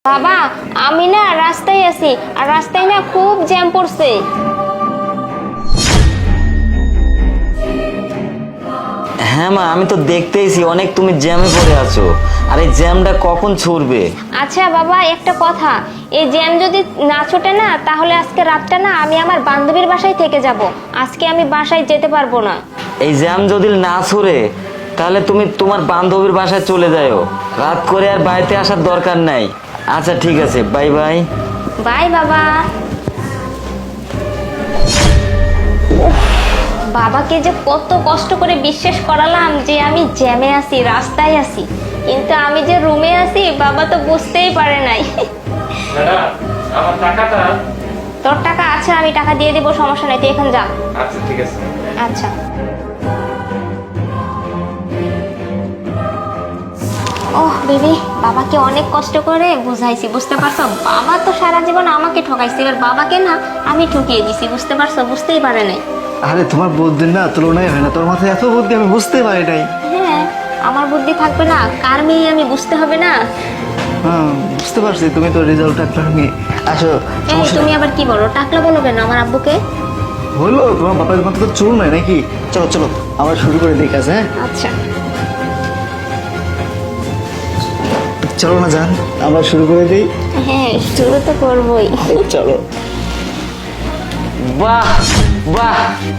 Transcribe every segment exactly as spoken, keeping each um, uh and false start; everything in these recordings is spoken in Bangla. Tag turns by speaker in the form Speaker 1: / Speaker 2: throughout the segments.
Speaker 1: বাবা আমি না রাস্তায় আছি আর রাস্তায় না খুব জ্যাম পড়ছে।
Speaker 2: হ্যাঁ মা, আমি তো দেখতেইছি অনেক তুমি জ্যামে পড়ে আছো। আর এই জ্যামটা কখন ছুটবে?
Speaker 1: আচ্ছা বাবা একটা কথা, এই জ্যাম যদি না ছুটে না তাহলে আজকে রাতটা না আমি আমার বান্ধবীর বাসায় থেকে যাব। আজকে আমি বাসায় যেতে পারবো না।
Speaker 2: এই জ্যাম যদি না ছুড়ে তাহলে তুমি তোমার বান্ধবীর বাসায় চলে যাও, রাত করে আর বাড়িতে আসার দরকার নাই। আচ্ছা ঠিক আছে, বাই বাই।
Speaker 1: বাই বাবা। বাবাকে যে কত কষ্ট করে বিশ্বাস করালাম যে আমি জ্যামে আছি, রাস্তায় আছি, কিন্তু আমি যে রুমে আছি বাবা তো বুঝতেই পারে নাই।
Speaker 3: আমার টাকাটা।
Speaker 1: তোর টাকা আছে, আমি টাকা দিয়ে দেবো, সমস্যা নাই, তুই এখন যা।
Speaker 3: আচ্ছা ঠিক আছে।
Speaker 1: আচ্ছা ওহ বেবি, বাবাকে অনেক কষ্ট করে বুঝাইছি, বুঝতে পারছো? বাবা তো সারা জীবন আমাকে ঠকাইছে, এবার বাবাকে না আমি ঠকিয়ে দিছি, বুঝতে পারছো? বুঝতেই পারে নাই।
Speaker 4: আরে তোমার বুদ্ধির না তুলনাই হয় না, তোর মাথায় এত বুদ্ধি আমি বুঝতে পারি নাই।
Speaker 1: হ্যাঁ আমার বুদ্ধি থাকবে না, কার মেয়ে আমি বুঝতে হবে না?
Speaker 4: হ্যাঁ বুঝতে পারছি, তুমি তো রেজাল্ট টাকলা নিয়ে আসো।
Speaker 1: এই তুমি আবার কি বলো, টাকলা বলো কেন আমার আব্বুকে?
Speaker 4: হলো তোমার বাবার মতো তো চুল নাই নাকি? চলো চলো আমরা শুরু করে দেখি। আছে হ্যাঁ
Speaker 1: আচ্ছা
Speaker 4: চলো না যান, আমরা শুরু করে দিই।
Speaker 1: হ্যাঁ শুরু তো করবোই।
Speaker 4: চলো।
Speaker 2: বাহ বাহ,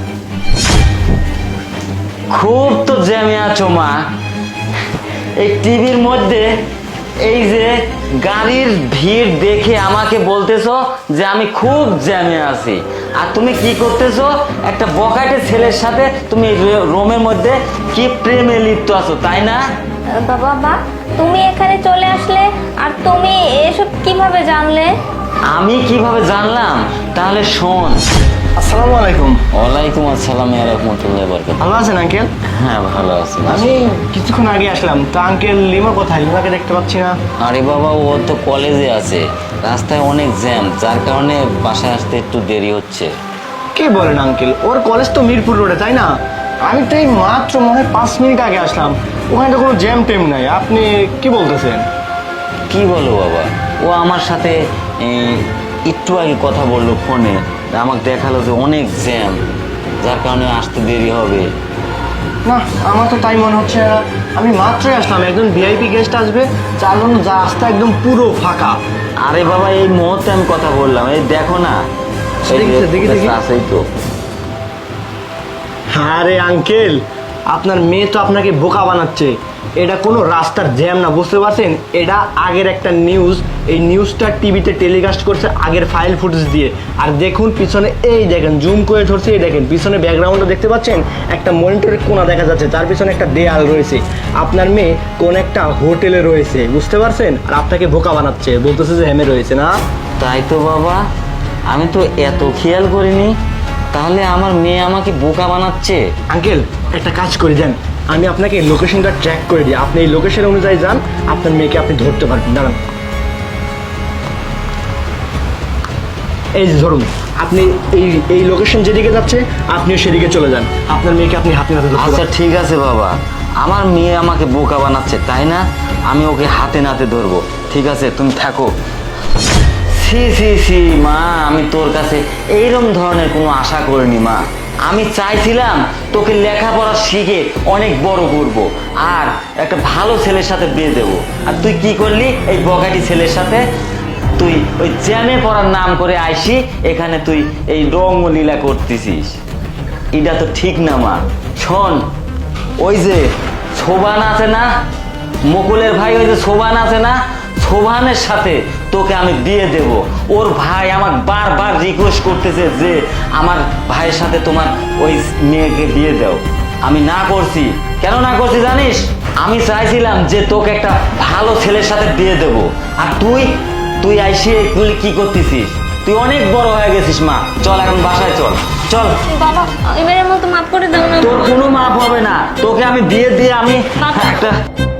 Speaker 2: খুব তো জ্যামে আছো মা। এই টিভির মধ্যে এই যে গাড়ির ভিড় দেখে আমাকে বলতেছো যে আমি খুব জ্যামে আছি, আর তুমি কি করতেছো? একটা বকাটে ছেলের সাথে তুমি রোমের মধ্যে কি প্রেমে লিপ্ত আছো, তাই না?
Speaker 1: বাবা বা তুমি এখানে চলে আসলে আর তুমি এসব কিভাবে জানলে?
Speaker 2: আমি কিভাবে জানলাম? তাহলে শোন।
Speaker 4: আসসালামু আলাইকুম।
Speaker 2: ওয়ালাইকুম আসসালাম ওয়া রাহমাতুল্লাহি ওয়া বারাকাতুহু।
Speaker 4: ভালো আছেন আঙ্কেল?
Speaker 2: হ্যাঁ ভালো আছি।
Speaker 4: আমি কিছুক্ষণ আগে আসলাম, তো আঙ্কেল লিমা কোথায়? লিমাকে দেখতে পাচ্ছি না।
Speaker 2: আরে বাবা, ও তো কলেজে আছে, রাস্তায় অনেক জ্যাম, যার কারণে বাসায় আসতে একটু দেরি হচ্ছে।
Speaker 4: কে বলেন আঙ্কেল? ওর কলেজ তো মিরপুর রোডে, তাই না? আমি তো এই মাত্র মনে হয় পাঁচ মিনিট আগে আসলাম, ওখানে তো কোনো জ্যাম টেম নাই। আপনি কি বলতেছেন?
Speaker 2: কি বলো বাবা, ও আমার সাথে এই, একটু আগে কথা বললো ফোনে, আমাকে দেখালো যে অনেক জ্যাম, যার কারণে আসতে দেরি হবে।
Speaker 4: না আমার তো তাই মনে হচ্ছে না। আমি মাত্রই আসলাম, একজন ভিআইপি গেস্ট আসবে, যার জন্য যা রাস্তা একদম পুরো ফাঁকা।
Speaker 2: আরে বাবা এই মুহূর্তে আমি কথা বললাম, এই দেখো না, এই
Speaker 4: দেখি,
Speaker 2: যে
Speaker 4: দেখি, দেখি।
Speaker 2: আছেই তো।
Speaker 4: আরে আঙ্কেল, আপনার মেয়ে তো আপনাকে বোকা বানাচ্ছে। এটা কোনো রাস্তার জ্যাম না, বুঝতে পারছেন? এটা আগের একটা নিউজ, এই নিউজটা টিভিতে টেলিকাস্ট করছে আগের ফাইল ফুটেজ দিয়ে। আর দেখুন পিছনে, এই দেখেন জুম করে ধরছে, এই দেখেন পিছনে ব্যাকগ্রাউন্ডটা দেখতে পাচ্ছেন, একটা মনিটরের কোণা দেখা যাচ্ছে, তার পিছনে একটা দেয়াল রয়েছে। আপনার মেয়ে কোন একটা হোটেলে রয়েছে, বুঝতে পারছেন? আর আপনাকে বোকা বানাচ্ছে, বলতেছে যে হেমে রয়েছে না।
Speaker 2: তাই তো বাবা, আমি তো এত খেয়াল করিনি। তাহলে আমার মেয়ে আমাকে বোকা বানাচ্ছে।
Speaker 4: আঙ্কেল একটা কাজ করে দেন, আমি আপনাকে লোকেশনটা ট্র্যাক করে দিই, আপনি এই লোকেশন অনুযায়ী যান, আপনার মেয়েকে আপনি ধরতে পারবেন। দাঁড়ান, এই যে ধরুন, আপনি এই এই লোকেশন যেদিকে যাচ্ছে আপনিও সেদিকে চলে যান, আপনার মেয়েকে আপনি হাতে নাতে ধরতে
Speaker 2: আচ্ছা
Speaker 4: পারবেন।
Speaker 2: ঠিক আছে বাবা, আমার মেয়ে আমাকে বোকা বানাচ্ছে তাই না, আমি ওকে হাতে নাতে ধরবো। ঠিক আছে তুমি থাকো। সি সি সি মা, আমি তোর কাছে এইরকম ধরনের কোনো আশা করিনি মা। আমি চাইছিলাম তোকে লেখাপড়া শিখে অনেক বড় করব আর একটা ভালো ছেলের সাথে বিয়ে দেবো, আর তুই কি করলি? এই বকাটি ছেলের সাথে তুই ওই জ্যামে পড়ার নাম করে আইসি এখানে তুই এই রঙ্গলীলা করতেছিস। এটা তো ঠিক না মা। শোন, ওই যে শোভান আছে না, মুকুলের ভাই, ওই যে শোভান আছে না, শোভানের সাথে তোকে আমি বিয়ে দেব। ওর ভাই আমাকে বারবার রিকোয়েস্ট করতেছে যে আমার ভাইয়ের সাথে তোমার ওই মেয়েকে বিয়ে দাও। আমি না করছি। কেন না করছি জানিস? আমি চাইছিলাম যে তোকে একটা ভালো ছেলের সাথে বিয়ে দেব, আর তুই তুই আইসি এগুলি কি করতেছিস? তুই অনেক বড় হয়ে গেছিস মা, চল এখন বাসায় চল। চল,
Speaker 1: বাবা এবারের মতো মাফ করে দাও না।
Speaker 2: তোর কোনো মাপ হবে না, তোকে আমি বিয়ে দিয়ে আমি
Speaker 1: বাবা।
Speaker 2: একটা